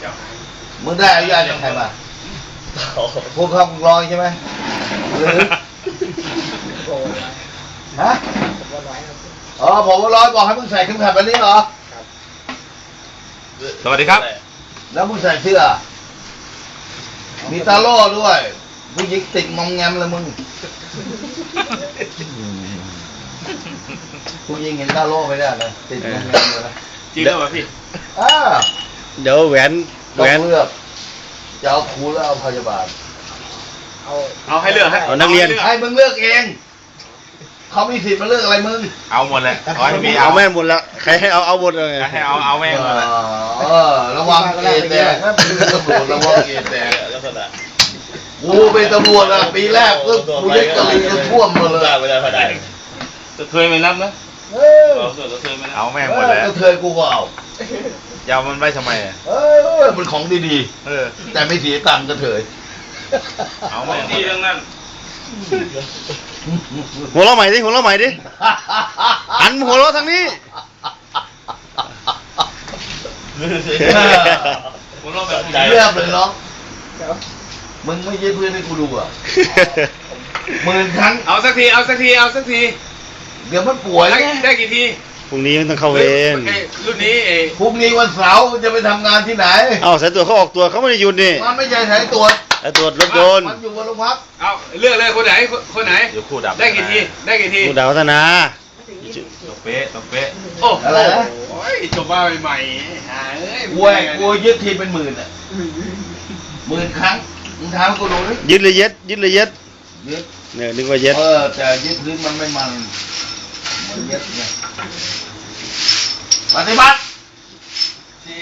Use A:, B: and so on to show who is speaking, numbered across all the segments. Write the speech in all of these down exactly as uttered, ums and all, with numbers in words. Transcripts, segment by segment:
A: มึงได้อนุญาตจากใครมาพวกเขาลอยใช่ไหมหรือฮะอ๋อผมว่าร้อยบอกให้มึงใส่เข็มขัดแบบนี้เหรอ
B: สวัสดีครับ
A: แล้วมึงใส่เสื้อมีตาโล่ด้วยผู้หญิงติดมอมแงมเลยมึงผู้หญิงเห็นตาโล่ไม่ได้เลยติดมอมแงมเลยนะ
B: จริงหรือเปล่าพี่
A: อ่า
C: เดี๋ยวแหวนแหวน
A: เลือกจะเอาครูแล้วเอาพยาบาล
B: เอาเอาให้เลือกให้
C: เอานักเรียน
A: ให้มึงเลือกเองเขามีสิทธิ์มาเลือกอะไรมึง
B: เอาหมดเลยขอให้พี่
C: เอาแม่หมดแล้วใครให้เอาเอาหมดเลย
B: ให้เอาเอาแม่หมดเลย
A: เออระวังเกณฑ์แตกนะเป็นตำรวจระวังเกณฑ์แตกกูเป็นตำรวจอะปีแรกก็กูยึดกะลีก็ท่วมมาเลย
B: จะเคยไม่รับนะ
A: เออ
B: เอาแม่หมดเลย
A: ก็เคยกูก็เอา
B: ยาวมันไว้ทำไมอ่ะ
A: เออมันของดีๆเออแต่ไม่เสียตังค์ก็เถย
B: เอาแม่ดีเรื่องนั้น
C: หัวเราะใหม่ดิหัวเราะใหม่ดิหันหัวเราะทางนี้
B: หัวเราะแบบ
A: เรียบเลยน้องมึงไม่ยืดเพื่อนให้กูดูอ่ะหมื่นครั้ง
B: เอาสักทีเอาสักทีเอาสักที
A: เดี๋ยวมันป่วย
B: ได้กี่ที
C: พรุ่งนี้ต้องเข้าเวร
B: รุ่นนี้เอง
A: พรุ่งนี้วันเสาร์จะไปทำงานที่ไหน
C: เอ้าสายตรวจเขาออกตัวเขาไม่ได้หยุดนี่
A: มันไม่ใช่สายตรวจ
C: สายตรวจรถยนต์
A: มันอยู่บนโรงพัก
B: เอาเลือกเลยคนไหนคนไหน
C: เดี๋ยวคู่ดับ
B: ได้กี่ทีได้กี่ที
C: คู่ดาวพัฒนา
B: ตกเป๊ะตกเป๊ะ
A: โอ้อะไรนะ
B: โอ้ยจบมาใหม่ๆหาเอ้ย
A: กลัวกลัวยึดทีเป็นหมื่นอ่ะหมื่นครั้งมึงถามกูดูดิ
C: ยึดเลยยึดยึดเลยยึด
A: ยึด
C: เนี่ยนึกว่ายึด
A: เออแต่ยึดพื้นมันไม่มันมันยึดไงปฏิบัติที่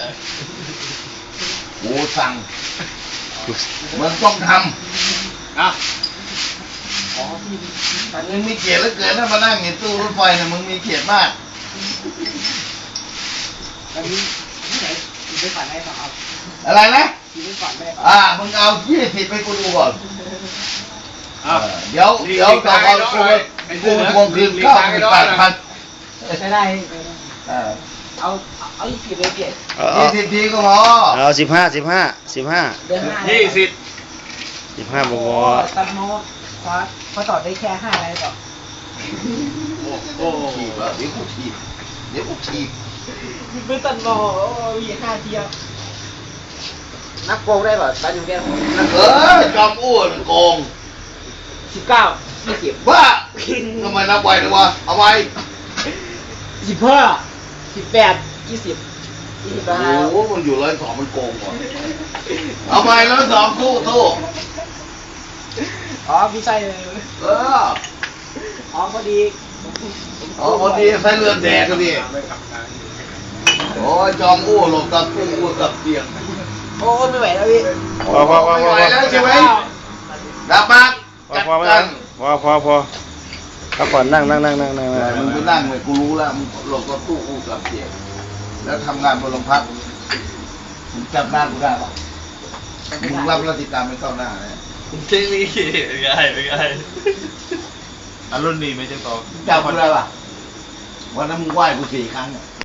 A: กูสั่งมึงต้องทำ
B: อ่ะ
A: อ๋อมึงมีเกียรติเหลือเกินถ้ามานั่งในตู้รถไฟเนี่ยมึงมีเกียรติมาก
D: อันนี้ที่ไหนกินไปก่อนได้ป่ะครับ
A: อะไรนะ
D: กินไปก่อนได้ป่ะ
A: อ่ามึงเอายี่สิบไปกูดูก่อนเดี๋ยวเดี๋ยวต่อไปกูกูทวงคืนเก้าสิบแปดพัน
D: ไม่ได้เอาเอายี่สิบเลยเกียรติ
A: ยี่สิบทีก็พอ
C: เอาสิบห้าสิบห้าสิบห้า
B: ยี่สิบ
C: สิบห้าบวก
D: ตัดโมเพราะเพราะต่อได้แค่ห้าอะไรต่อ
A: โอ้ทีบเดี๋ยวกูทีบเดี๋ยวกูทีบ
D: เป็นตัดโมมีห้าเทียบนับโกงได้ป่ะตัดอยู่แค่
A: เออจอมอ้วนโกง
D: สิบเก้ายี่สิบ
A: บ้าทำไมนับไวเลยวะเอาไว้
D: สิบห้าสิบแปดยี่สิบยี่สิบห้า
A: โอ้โหมันอยู่ร้อยสองมันโกงว่ะเอาไว้ร้อยสองสู้สู้
D: อ๋อพี่ใส่เลย
A: เออ
D: อ๋อพอดี
A: อ๋อพอดีใส่เลือดแดงก็ดีโอ้ยจอมอ้วนหลบกับกู้อ้วนกับเตียง
D: โอ้ไม่ไหวแล้วพี่
C: พอพอพอ
A: ไม่ไหวแล้วใช่ไหมดับมากจัดกัน
C: พอพอพอพักผ่อนนั่งนั่งนั่งนั่งนั่ง
A: มึงไปนั่งเลยกูรู้แล้วมึงหลบกับตู้อู้กับเตียงแล้วทำงานบนโรงพักมึงจับหน้ากูได้ปะมึงรับราชการไม่เข้าหน้าเนี่ย
B: จริงนี่เป็นไงเป็นไงอารมณ์ดีไหมเจ้าต่อ
A: จับกูได้ปะวันนั้นมึงไหว้กูสี่ครั้ง